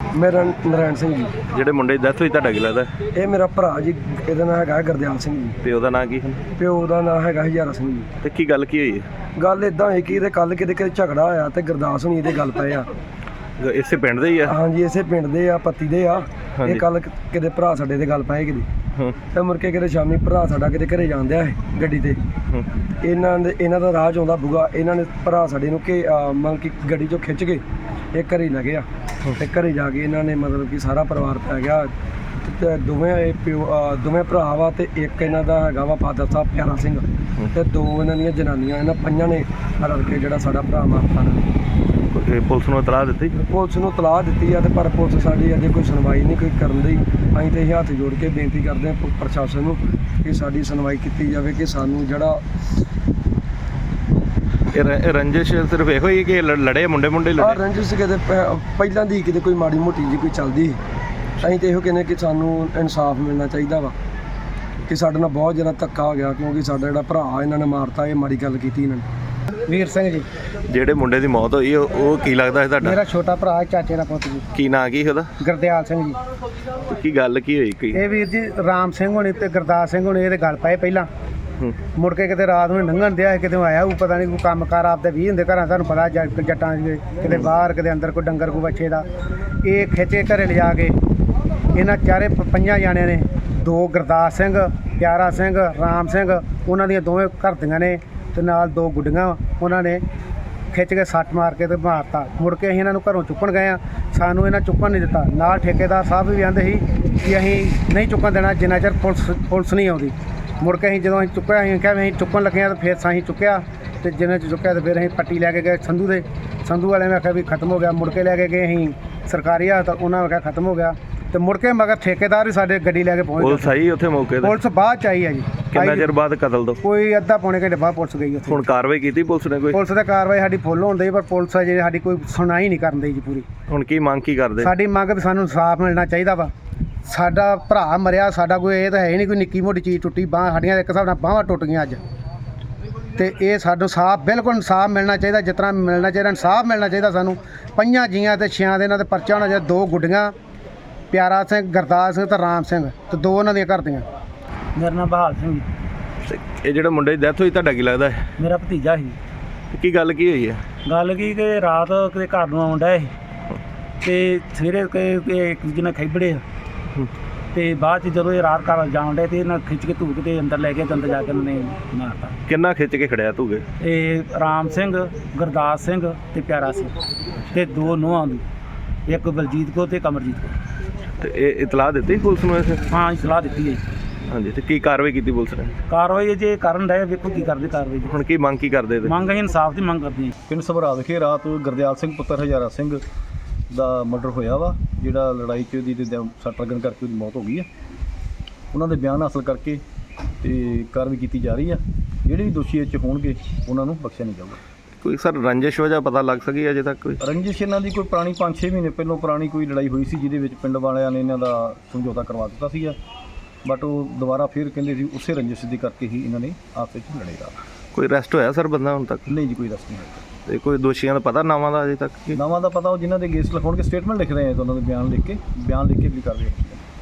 ਮੇਰਾ ਨਰਾਇਣ ਸਿੰਘ ਜੀ। ਜਿਹੜੇ ਮੁੰਡੇ ਦੀ ਡੈਥ ਹੋਈ ਤੁਹਾਡਾ ਕੀ ਲੱਗਦਾ? ਇਹ ਮੇਰਾ ਭਰਾ ਜੀ, ਇਹਦਾ ਨਾਂ ਹੈਗਾ ਗੁਰਦਿਆਲ ਸਿੰਘ ਜੀ। ਪਿਓ ਦਾ ਨਾਂ ਕੀ ਹੈ? ਪਿਓ ਦਾ ਨਾਂ ਹੈਗਾ ਹਜ਼ਾਰਾ ਸਿੰਘ ਜੀ। ਤੇ ਕੀ ਗੱਲ ਕੀ ਹੋਈ ਹੈ? ਗੱਲ ਇਦਾਂ ਹੋਈ ਕਿ ਇਹਦੇ ਕੱਲ ਕਿਤੇ ਝਗੜਾ ਹੋਇਆ ਤੇ ਗੁਰਦਾਸ ਹੁਣੀ ਇਹਦੇ ਗੱਲ ਪਏ ਆ। ਇਸੇ ਪਿੰਡ ਦੇ ਹੀ ਆ? ਹਾਂਜੀ, ਇਸੇ ਪਿੰਡ ਦੇ ਆ, ਪੱਤੀ ਦੇ ਆ। ਇਹ ਕੱਲ ਕਿਤੇ ਭਰਾ ਸਾਡੇ ਦੇ ਗੱਲ ਪਏ ਕਿਤੇ, ਤੇ ਮੁੜ ਕੇ ਕਿਤੇ ਸ਼ਾਮੀ ਭਰਾ ਸਾਡਾ ਕਿਤੇ ਘਰੇ ਜਾਂਦਿਆ ਗੱਡੀ ਤੇ, ਇਹਨਾਂ ਦਾ ਰਾਹ 'ਚ ਆਉਂਦਾ ਬੁਗਾ। ਇਹਨਾਂ ਨੇ ਭਰਾ ਸਾਡੇ ਨੂੰ ਕਿ ਮਤਲਬ ਕਿ ਗੱਡੀ 'ਚੋਂ ਖਿੱਚ ਕੇ ਇਹ ਘਰੇ ਲੈ ਗਿਆ, ਤੇ ਘਰੇ ਜਾ ਕੇ ਇਹਨਾਂ ਨੇ ਮਤਲਬ ਕਿ ਸਾਰਾ ਪਰਿਵਾਰ ਪੈ ਗਿਆ। ਤੇ ਦੋਵੇਂ ਭਰਾ ਵਾ, ਤੇ ਇੱਕ ਇਹਨਾਂ ਦਾ ਹੈਗਾ ਵਾ ਫਾਦਰ ਸਾਹਿਬ ਪਿਆਰਾ ਸਿੰਘ, ਤੇ ਦੋ ਇਹਨਾਂ ਦੀਆਂ ਜਨਾਨੀਆਂ। ਇਹਨਾਂ ਪੰਜਾਂ ਨੇ ਰਲ ਕੇ ਜਿਹੜਾ ਸਾਡਾ ਭਰਾ ਮਾਰਤਾ ਨੇ। ਪੁਲਿਸ ਨੂੰ ਇਤਲਾਹ ਦਿੱਤੀ? ਪੁਲਿਸ ਨੂੰ ਇਤਲਾਹ ਦਿੱਤੀ ਆ, ਤੇ ਪਰ ਪੁਲਿਸ ਸਾਡੀ ਅਜੇ ਕੋਈ ਸੁਣਵਾਈ ਨਹੀਂ ਕੋਈ ਕਰਨ ਦੀ। ਅਸੀਂ ਤੇ ਇਹ ਹੱਥ ਜੋੜ ਕੇ ਬੇਨਤੀ ਕਰਦੇ ਹਾਂ ਪ੍ਰਸ਼ਾਸਨ ਨੂੰ ਕਿ ਸਾਡੀ ਸੁਣਵਾਈ ਕੀਤੀ ਜਾਵੇ, ਕਿ ਸਾਨੂੰ ਜਿਹੜਾ ਇਹ ਰੰਜਿਸ਼ ਸਿਰਫ ਇਹੋ ਹੀ ਕਿ ਲੜੇ ਮੁੰਡੇ ਲੜੇ? ਰੰਜਿਸ਼ ਕਿਤੇ ਪਹਿਲਾਂ ਦੀ ਕਿਤੇ ਕੋਈ ਮਾੜੀ ਮੋਟੀ ਜੀ ਕੋਈ ਚੱਲਦੀ। ਅਸੀਂ ਤੇ ਇਹੋ ਕਹਿੰਦੇ ਕਿ ਸਾਨੂੰ ਇਨਸਾਫ ਮਿਲਣਾ ਚਾਹੀਦਾ ਵਾ, ਕਿ ਸਾਡੇ ਨਾਲ ਬਹੁਤ ਜ਼ਿਆਦਾ ਧੱਕਾ ਹੋ ਗਿਆ, ਕਿਉਂਕਿ ਸਾਡਾ ਜਿਹੜਾ ਭਰਾ ਇਹਨਾਂ ਨੇ ਮਾਰਤਾ, ਇਹ ਮਾੜੀ ਗੱਲ ਕੀਤੀ ਇਹਨਾਂ ਨੇ। ਵੀਰ ਸਿੰਘ ਜੀ। ਜਿਹੜੇ ਮੁੰਡੇ ਦੀ ਮੌਤ ਹੋਈ ਉਹ ਕੀ ਲੱਗਦਾ ਹੈ ਤੁਹਾਡਾ? ਮੇਰਾ ਛੋਟਾ ਭਰਾ, ਚਾਚੇ ਦਾ ਪੁੱਤ ਜੀ। ਕੀ ਨਾਂ ਕੀ ਉਹਦਾ? ਗੁਰਦਿਆਲ ਸਿੰਘ ਜੀ। ਕੀ ਗੱਲ ਕੀ ਹੋਈ? ਕੀ ਇਹ ਵੀਰ ਜੀ ਰਾਮ ਸਿੰਘ ਹੋਣੀ ਤੇ ਗੁਰਦਾਸ ਸਿੰਘ ਹੋਣੀ ਇਹਦੇ ਗੱਲ ਪਏ ਪਹਿਲਾਂ। ਮੁੜ ਕੇ ਕਿਤੇ ਰਾਤ ਨੂੰ ਲੰਘਣ ਦਿਆ, ਕਿਤੇ ਆਇਆ ਉਹ ਪਤਾ ਨਹੀਂ ਕੋਈ ਕੰਮ ਕਾਰ ਆਪਦੇ 20 ਹੁੰਦੇ ਘਰਾਂ, ਤੁਹਾਨੂੰ ਪਤਾ ਜੱਟਾਂ ਕਿਤੇ ਬਾਹਰ ਕਿਤੇ ਅੰਦਰ ਕੋਈ ਡੰਗਰ ਕੋਈ ਬੱਚੇ ਦਾ। ਇਹ ਖਿੱਚੇ ਘਰੇ ਲਿਜਾ ਕੇ ਇਹਨਾਂ ਚਾਰੇ ਪੰਜਾਂ ਜਾਣਿਆਂ ਨੇ, ਦੋ ਗੁਰਦਾਸ ਸਿੰਘ, ਪਿਆਰਾ ਸਿੰਘ, ਰਾਮ ਸਿੰਘ, ਉਹਨਾਂ ਦੀਆਂ ਦੋਵੇਂ ਘਰ ਦੀਆਂ ਨੇ, ਤੇ ਨਾਲ ਦੋ ਗੁੱਡੀਆਂ। ਉਹਨਾਂ ਨੇ ਖਿੱਚ ਕੇ ਸੱਟ ਮਾਰ ਕੇ ਤੇ ਮਾਰਤਾ। ਮੁੜ ਕੇ ਅਸੀਂ ਇਹਨਾਂ ਨੂੰ ਘਰੋਂ ਚੁੱਕਣ ਗਏ ਆ, ਸਾਨੂੰ ਇਹਨਾਂ ਚੁੱਕਣ ਨਹੀਂ ਦਿੱਤਾ। ਨਾਲ ਠੇਕੇਦਾਰ ਸਾਹਿਬ ਵੀ ਆਂਦੇ ਸੀ ਕਿ ਅਸੀਂ ਨਹੀਂ ਚੁੱਕਣ ਦੇਣਾ ਜਿੰਨਾ ਚਿਰ ਪੁਲਿਸ ਨਹੀਂ ਆਉਂਦੀ। ਮੁੜ ਕੇ ਅਸੀਂ ਜਦੋਂ ਅਸੀਂ ਚੁੱਕਿਆ, ਅਸੀਂ ਕਿਹਾ ਅਸੀਂ ਚੁੱਕਣ ਲੱਗੇ ਹਾਂ, ਤਾਂ ਫਿਰ ਅਸੀਂ ਚੁੱਕਿਆ, ਤੇ ਜਿੰਨੇ 'ਚ ਚੁੱਕਿਆ ਤੇ ਫਿਰ ਅਸੀਂ ਪੱਟੀ ਲੈ ਕੇ ਗਏ ਸੰਧੂ ਵਾਲੇ ਨੇ ਆਖਿਆ ਵੀ ਖਤਮ ਹੋ ਗਿਆ। ਮੁੜ ਕੇ ਲੈ ਕੇ ਗਏ ਅਸੀਂ ਸਰਕਾਰੀ ਹਸਪਤਾਲ, ਉਹਨਾਂ ਨੇ ਆਖਿਆ ਖਤਮ ਹੋ ਗਿਆ। ਤੇ ਮੁੜ ਕੇ ਮਗਰ ਠੇਕੇਦਾਰ ਵੀ ਸਾਡੇ ਗੱਡੀ ਲੈ ਕੇ ਪਹੁੰਚ ਗਏ। ਪੁਲਿਸ ਆਈ ਉੱਥੇ ਮੌਕੇ ਤੇ? ਪੁਲਿਸ ਬਾਅਦ 'ਚ ਆਈ ਹੈ ਜੀ। ਕਿੰਨਾ ਚਿਰ ਬਾਅਦ ਕਤਲ ਤੋਂ? ਕੋਈ ਅੱਧਾ ਪੌਣੇ ਘੰਟੇ ਬਾਅਦ ਪੁਲਿਸ ਗਈ ਉੱਥੇ। ਹੁਣ ਕਾਰਵਾਈ ਕੀਤੀ ਪੁਲਿਸ ਨੇ ਕੋਈ? ਪੁਲਿਸ ਦੀ ਕਾਰਵਾਈ ਸਾਡੀ ਫੁੱਲ ਹੋਣ ਦੀ, ਪਰ ਪੁਲਿਸ ਅਜੇ ਸਾਡੀ ਕੋਈ ਸੁਣਾਈ ਨਹੀਂ ਕਰਨ ਦੀ ਜੀ ਪੂਰੀ। ਹੁਣ ਕੀ ਮੰਗ ਕੀ ਕਰਦੇ? ਸਾਡੀ ਮੰਗ ਵੀ ਸਾਨੂੰ ਇਨਸਾਫ ਮਿਲਣਾ ਚਾਹੀਦਾ ਵਾ। ਸਾਡਾ ਭਰਾ ਮਰਿਆ, ਸਾਡਾ ਕੋਈ ਇਹ ਤਾਂ ਹੈ ਹੀ ਨਹੀਂ ਕੋਈ ਨਿੱਕੀ ਮੋਟੀ ਚੀਜ਼ ਟੁੱਟੀ ਬਾਂਹ, ਸਾਡੀਆਂ ਇੱਕ ਹਿਸਾਬ ਨਾਲ ਬਾਹਾਂ ਟੁੱਟ ਗਈਆਂ ਅੱਜ। ਤੇ ਇਹ ਸਾਨੂੰ ਸਾਫ ਬਿਲਕੁਲ ਇਨਸਾਫ ਮਿਲਣਾ ਚਾਹੀਦਾ, ਜਿਸ ਤਰ੍ਹਾਂ ਮਿਲਣਾ ਚਾਹੀਦਾ ਇਨਸਾਫ ਮਿਲਣਾ ਚਾਹੀਦਾ ਸਾਨੂੰ। 5 ਜੀਆਂ ਤੇ 6 ਦੇ ਇਹਨਾਂ ਦੇ ਪਰਚਾ ਹੋਣਾ ਚਾਹੀਦਾ। 2 ਗੁੱਡੀਆਂ, ਪਿਆਰਾ ਸਿੰਘ, ਗੁਰਦਾਸ ਸਿੰਘ ਤੇ ਰਾਮ ਸਿੰਘ, ਤੇ 2 ਉਹਨਾਂ ਦੀਆਂ ਘਰ ਦੀਆਂ। ਮੇਰਾ ਨਾਮ ਬਹਾਲ ਸਿੰਘ ਜੀ। ਇਹ ਜਿਹੜੇ ਮੁੰਡੇ ਦੀ ਡੈਥ ਹੋਈ ਤੁਹਾਡਾ ਕੀ ਲੱਗਦਾ ਹੈ? ਮੇਰਾ ਭਤੀਜਾ ਸੀ। ਕੀ ਗੱਲ ਕੀ ਹੋਈ ਹੈ? ਗੱਲ ਕੀ ਕਿ ਰਾਤ ਕਿਤੇ ਘਰ ਨੂੰ ਆਉਂਦਾ ਸੀ, ਤੇ ਸਵੇਰੇ ਇੱਕ ਦੂਜੇ ਨਾਲ ਖੈਬੜੇ ਆ, ਤੇ ਬਾਅਦ 'ਚ ਜਦੋਂ ਇਹ ਰਾਤ ਘਰ ਜਾਣ ਡੇ ਤੇ ਇਹਨਾਂ ਖਿੱਚ ਕੇ ਧੂਕ ਤੇ ਅੰਦਰ ਲੈ ਕੇ ਅੰਦਰ ਜਾ ਕੇ ਉਹਨਾਂ ਨੇ ਮਾਰਤਾ। ਕਿੰਨਾ ਖਿੱਚ ਕੇ ਖੜਿਆ ਧੂਗੇ? ਇਹ ਰਾਮ ਸਿੰਘ, ਗੁਰਦਾਸ ਸਿੰਘ ਤੇ ਪਿਆਰਾ ਸਿੰਘ, ਤੇ 2 ਨੂੰਹਾਂ ਦੀ, ਇੱਕ ਬਲਜੀਤ ਕੋ ਤੇ ਕਮਰਜੀਤ ਕੋ। ਤੇ ਇਹ ਇਤਲਾਹ ਦਿੱਤੀ ਪੁਲਿਸ ਨੂੰ? ਹਾਂ, ਸਲਾਹ ਦਿੱਤੀ ਹੈ। ਹਾਂਜੀ, ਤੇ ਕੀ ਕਾਰਵਾਈ ਕੀਤੀ ਪੁਲਿਸ ਨੇ? ਕਾਰਵਾਈ ਜੇ ਕਰਨ ਰਹੇ, ਵੇਖੋ ਕੀ ਕਰਦੇ ਕਾਰਵਾਈ। ਹੁਣ ਕੀ ਮੰਗ ਕੀ ਕਰਦੇ? ਮੰਗ ਅਸੀਂ ਇਨਸਾਫ ਦੀ ਮੰਗ ਕਰਦੇ ਹਾਂ। ਪਿੰਡ ਸਭਰਾ ਵਿਖੇ ਰਾਤ ਗੁਰਦਿਆਲ ਸਿੰਘ ਪੁੱਤਰ ਹਜ਼ਾਰਾ ਸਿੰਘ ਦਾ ਮਰਡਰ ਹੋਇਆ ਵਾ, ਜਿਹੜਾ ਲੜਾਈ 'ਚ ਉਹਦੀ ਸੱਟ ਲੱਗਣ ਕਰਕੇ ਉਹਦੀ ਮੌਤ ਹੋ ਗਈ ਹੈ। ਉਹਨਾਂ ਦੇ ਬਿਆਨ ਹਾਸਲ ਕਰਕੇ ਤੇ ਕਾਰਵਾਈ ਕੀਤੀ ਜਾ ਰਹੀ ਆ। ਜਿਹੜੇ ਵੀ ਦੋਸ਼ੀ ਇਹ 'ਚ ਹੋਣਗੇ ਉਹਨਾਂ ਨੂੰ ਬਖਸ਼ਿਆ ਨਹੀਂ ਜਾਊਗਾ। ਕੋਈ ਸਰ ਰੰਜਿਸ਼ ਵਜ੍ਹਾ ਪਤਾ ਲੱਗ ਸਕੀ ਅਜੇ ਤੱਕ? ਕੋਈ ਰੰਜਿਸ਼ ਇਹਨਾਂ ਦੀ ਕੋਈ ਪੁਰਾਣੀ 5-6 ਮਹੀਨੇ ਪਹਿਲਾਂ ਪੁਰਾਣੀ ਕੋਈ ਲੜਾਈ ਹੋਈ ਸੀ, ਜਿਹਦੇ ਵਿੱਚ ਪਿੰਡ ਵਾਲਿਆਂ ਨੇ ਇਹਨਾਂ ਦਾ ਸਮਝੌਤਾ ਕਰਵਾ ਦਿੱਤਾ ਸੀਗਾ, ਬਟ ਉਹ ਦੁਬਾਰਾ ਫਿਰ ਕਹਿੰਦੇ ਸੀ ਉਸੇ ਰੰਜਿਸ਼ ਦੀ ਕਰਕੇ ਹੀ ਇਹਨਾਂ ਨੇ ਆਪਸ ਵਿੱਚ ਲੜੇਗਾ। ਕੋਈ ਅਰੈਸਟ ਹੋਇਆ ਸਰ ਬੰਦਾ ਹੁਣ ਤੱਕ? ਨਹੀਂ ਜੀ, ਕੋਈ ਰਸਤ ਨਹੀਂ ਹੋਇਆ। ਤੇ ਕੋਈ ਦੋਸ਼ੀਆਂ ਦਾ ਪਤਾ ਨਾਵਾਂ ਦਾ ਅਜੇ ਤੱਕ? ਨਾਵਾਂ ਦਾ ਪਤਾ ਉਹ ਜਿਨ੍ਹਾਂ ਦੇ ਕੇਸ ਲਿਖਾਉਣਗੇ, ਸਟੇਟਮੈਂਟ ਲਿਖ ਰਹੇ ਆ, ਤਾਂ ਉਹਨਾਂ ਦੇ ਬਿਆਨ ਲਿਖ ਕੇ ਵੀ ਕਰ ਰਹੇ